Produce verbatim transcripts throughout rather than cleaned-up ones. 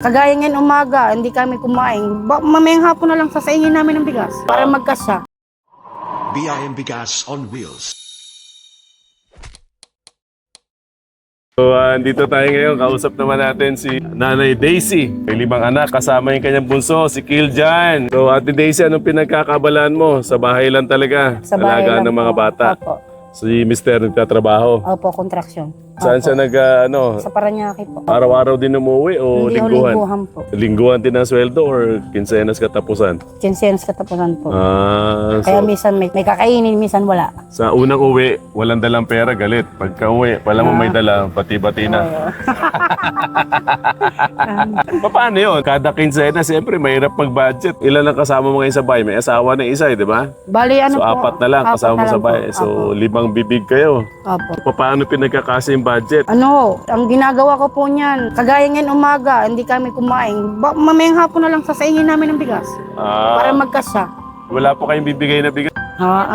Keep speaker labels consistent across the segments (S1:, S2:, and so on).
S1: Kagaya ngayon umaga, hindi kami kumain. Ba mamayang hapon na lang sasaingin namin ng bigas para magkasya.
S2: B I M Bigas on Wheels.
S3: So, uh, dito tayo ngayon. Kausap naman natin si Nanay Daisy. May limang anak. Kasama yung kanyang bunso, si Kiljan. So, Ate Daisy, anong pinagkakabalaan mo? Sa bahay lang talaga?
S1: Sa bahay
S3: Alagaan
S1: lang
S3: ng mga
S1: po.
S3: bata?
S1: Opo.
S3: Si Mister nagtatrabaho?
S1: Opo, kontraksyon.
S3: Saan
S1: Opo.
S3: siya nag, uh, ano,
S1: Sa Paranaque po.
S3: araw-araw din umuwi o
S1: Hindi ho,
S3: lingguhan?
S1: lingguhan po.
S3: Lingguhan din ang sweldo or kinsenas katapusan?
S1: Kinsenas katapusan po.
S3: Ah,
S1: Kaya
S3: so,
S1: minsan may, may kakainin, minsan wala.
S3: sa unang uwi, walang dalang pera, galit. Pagka uwi, wala mo may dala, bati-bati na. Paano yun? Kada kinsena, siyempre, mahirap mag-budget. Ilan ang kasama mo ngayon sa bahay? May asawa na isa, eh, di ba?
S1: Bali, ano
S3: So,
S1: po?
S3: apat na lang kasama
S1: na
S3: mo sa
S1: lang po.
S3: bahay. So,
S1: Opo.
S3: limang bibig kayo.
S1: Opo.
S3: Paano pinagkakasa yung budget?
S1: Ano, ang ginagawa ko po niyan, kagaya ngayon umaga, hindi kami kumain. Ba mamayang hapon na lang sasaingin namin ng bigas
S3: Ah,
S1: para magkasya.
S3: wala po kayong bibigay na bigas?
S1: Ha?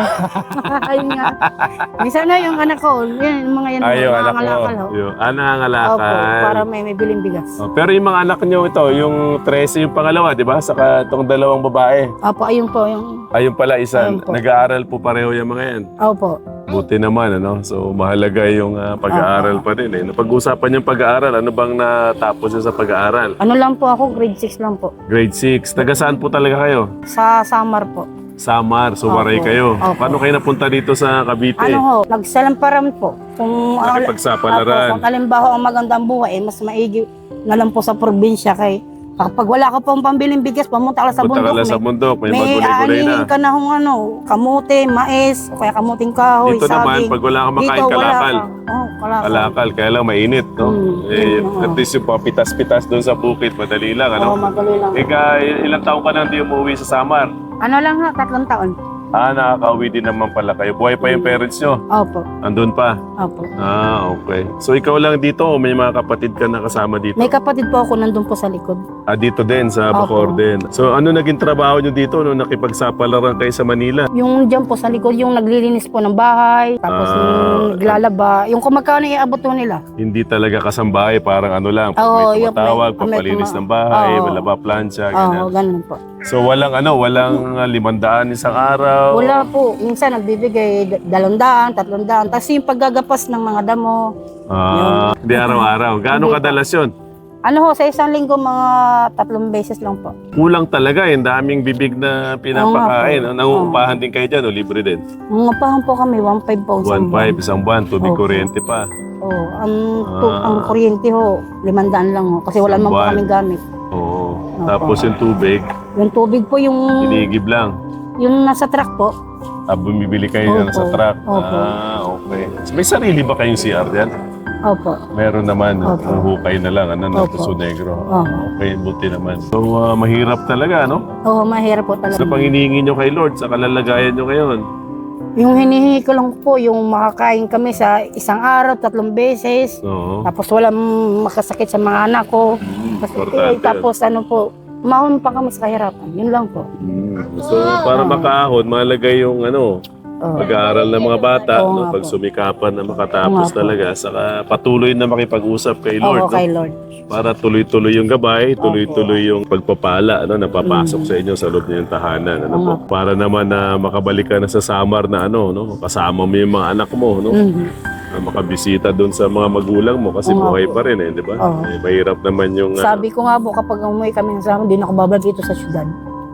S1: Ayun nga. Minsan na yung anak ko, yan, yung mga yan,
S3: Ay, yung anak
S1: nangangalakal,
S3: mo.
S1: ho.
S3: Yung, ah,
S1: Opo,
S3: nangangalakal.
S1: para may, may biling bigas.
S3: Oh, pero yung mga anak nyo ito, yung trese yung pangalawa, di ba? Saka itong dalawang babae.
S1: Opo, ayun po, yung,
S3: Ayun pala, isa.
S1: Ayun po.
S3: Nag-aaral po pareho yung mga yan.
S1: opo.
S3: Buti naman, ano? So, mahalaga yung ah, pag-aaral pa din. Eh. Napag-usapan yung pag-aaral, ano bang natapos yun sa pag-aaral?
S1: Ano lang po ako, grade six lang po.
S3: Grade six. Taga saan po talaga kayo?
S1: Sa Samar po.
S3: Samar. So, waray
S1: Opo.
S3: kayo.
S1: Opo.
S3: Paano kayo napunta dito sa Cavite?
S1: Ano ho, nagsalamparam po. Kung
S3: Nakipagsapalaran.
S1: Opo, kung halimbawa ang magandang buhay, eh, mas maigi na lang po sa probinsya kay kapag wala ka pong pambiling bigas, pumunta ka lang sa
S3: Punta ka
S1: bundok.
S3: lang sa bundok. May,
S1: may
S3: magulay-gulay na.
S1: aanihin ka na kung ano, kamote, mais, o kaya kamuting kahoy,
S3: Dito naman,
S1: saging.
S3: pag wala kang makain,
S1: Dito, wala
S3: kalakal.
S1: ka. Oh, kalakal.
S3: Kalakal. Kaya lang mainit, no?
S1: Mm,
S3: eh,
S1: mm,
S3: at least yung mga pitas-pitas doon sa bukid, madali lang,
S1: Oo,
S3: ano?
S1: madali lang.
S3: Ika, ilang taon ka nang di umuwi sa Samar?
S1: Ano lang ha, tatlong taon.
S3: Ah, nakaka-uwi din naman pala kayo. Buhay pa yung parents nyo?
S1: Opo,
S3: Andun pa?
S1: opo.
S3: Ah, okay. So ikaw lang dito o may mga kapatid ka na kasama dito?
S1: May kapatid po ako nandun po sa likod.
S3: Ah, dito din, sa Bacoor
S1: Opo.
S3: din. So ano naging trabaho nyo dito nung nakipagsapalaran kayo sa Manila?
S1: Yung dyan po sa likod, yung naglilinis po ng bahay, tapos
S3: Ah.
S1: yung naglalaba, yung kung magkano iabot po nila.
S3: Hindi talaga kasambahay, parang ano lang. Pag
S1: Oo,
S3: may
S1: yung
S3: tumatawag,
S1: may- may
S3: papalinis
S1: tuma-
S3: ng bahay,
S1: Oo.
S3: laba plancha,
S1: Oo,
S3: ganyan.
S1: ganun po.
S3: So walang ano, walang uh, limandaan isang araw?
S1: Wala po. Minsan nagbibigay d- dalawang daan, tatlong daan. Tapos yung paggagapas ng mga damo.
S3: Ah, hindi araw-araw. Gaano
S1: Hindi po.
S3: kadalas yun?
S1: Ano ho, sa isang linggo mga tatlong beses lang po.
S3: Kulang talaga eh. Daming bibig na pinapakain.
S1: Oo nga po.
S3: Nangungupahan din kayo dyan o libre din?
S1: Mga pahan po kami, one five po isang
S3: one five isang buwan, tubig
S1: Opo.
S3: kuryente pa.
S1: Oh, ang, tu-
S3: Ah.
S1: ang kuryente ho, limandaan lang ho. Kasi wala
S3: Isang
S1: naman po
S3: buwan.
S1: kaming gamit.
S3: Oo.
S1: Opo.
S3: Tapos yung tubig,
S1: Yung tubig po yung,
S3: inigib lang.
S1: yung nasa truck po.
S3: Ah, bumibili kayo
S1: Opo.
S3: sa truck.
S1: Opo.
S3: Ah, okay. May sarili ba kayong C R dyan?
S1: Opo.
S3: Meron naman.
S1: Opo.
S3: Ang hukay na lang. Ano, ng
S1: Opo.
S3: Puso Negro.
S1: Oo.
S3: Okay, buti naman. So, ah, mahirap talaga, no?
S1: Oo, mahirap po talaga.
S3: Sa pang hinihingi nyo kay Lord, sa kalalagayan nyo ngayon.
S1: Yung hinihingi ko lang po, yung makakain kami sa isang araw, tatlong beses.
S3: Oo.
S1: Tapos walang makasakit sa mga anak ko. Kasi,
S3: importante
S1: eh, tapos ano po, mahon pa kami sa kahirapan. Yun lang po.
S3: Mm. So, para makaahon, mahalaga yung ano,
S1: Oo.
S3: pag-aaral ng mga bata,
S1: Oo
S3: no?
S1: nga po.
S3: Pagsumikapan na makatapos
S1: Oo nga po.
S3: talaga, saka patuloy na makipag-usap kay Lord,
S1: Oo, kay
S3: no?
S1: Lord.
S3: Para tuloy-tuloy yung gabay, tuloy-tuloy yung pagpapala, ano, napapasok sa inyo sa loob ng tahanan, ano
S1: Oo
S3: po?
S1: nga
S3: Para naman na makabalik ka na sa Samar na ano, no? Kasama mo yung mga anak mo, no?
S1: Mhm.
S3: Na makabisita doon sa mga magulang mo kasi
S1: Oo nga
S3: buhay
S1: po.
S3: pa rin eh, di ba?
S1: Oo.
S3: Eh, mahirap naman yung ah,
S1: Sabi ko nga po, kapag umuwi kami ng sama, di na ako babalik dito sa syudad.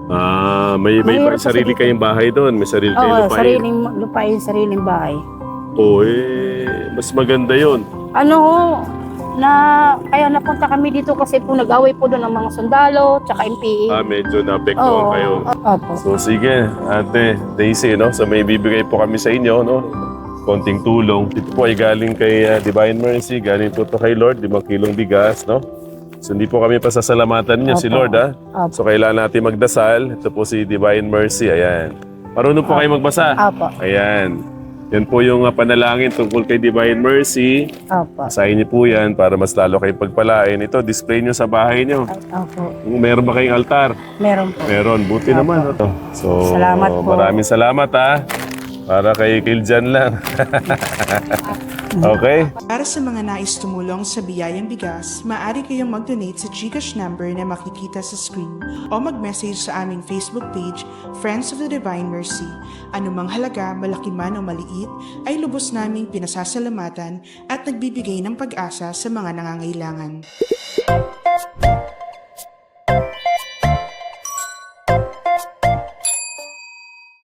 S3: ah, may may
S1: Mahirap kasi
S3: sarili
S1: dito.
S3: kayong bahay doon, may sarili kayong
S1: Oo,
S3: lupain.
S1: sariling lupain, sariling bahay.
S3: Oo, eh, mas maganda yun.
S1: Ano ho, na kaya napunta kami dito kasi po nag-away po doon ng mga sundalo, tsaka M P A.
S3: Ah, medyo naapektuhan
S1: Oo,
S3: kayo.
S1: opo.
S3: So sige, Ate Daisy, no? So may bibigay po kami sa inyo, no? Konting tulong. Ito po ay galing kay uh, Divine Mercy, galing po to kay Lord, limang kilong bigas, no? So hindi po kami pasasalamatan niyo si
S1: Opo.
S3: Lord, ha?
S1: Opo.
S3: So kailangan natin magdasal. Ito po si Divine Mercy, ayan. Marunong po kayo magbasa?
S1: Opo.
S3: Ayan. Yan po yung uh, panalangin tungkol kay Divine Mercy.
S1: Opo.
S3: Basahin niyo po yan para mas lalo kayong pagpalain. Ito, display niyo sa bahay niyo.
S1: Opo.
S3: Meron ba kayong altar?
S1: Meron po.
S3: Meron. Buti
S1: Opo.
S3: naman. Ito. So,
S1: Salamat po.
S3: maraming salamat ha. Para kay Kiljan lang. Okay?
S4: Para sa mga nais tumulong sa Biyayang Bigas, maaari kayong mag-donate sa GCash number na makikita sa screen o mag-message sa aming Facebook page, Friends of the Divine Mercy. Anumang halaga, malaki man o maliit, ay lubos naming pinasasalamatan at nagbibigay ng pag-asa sa mga nangangailangan.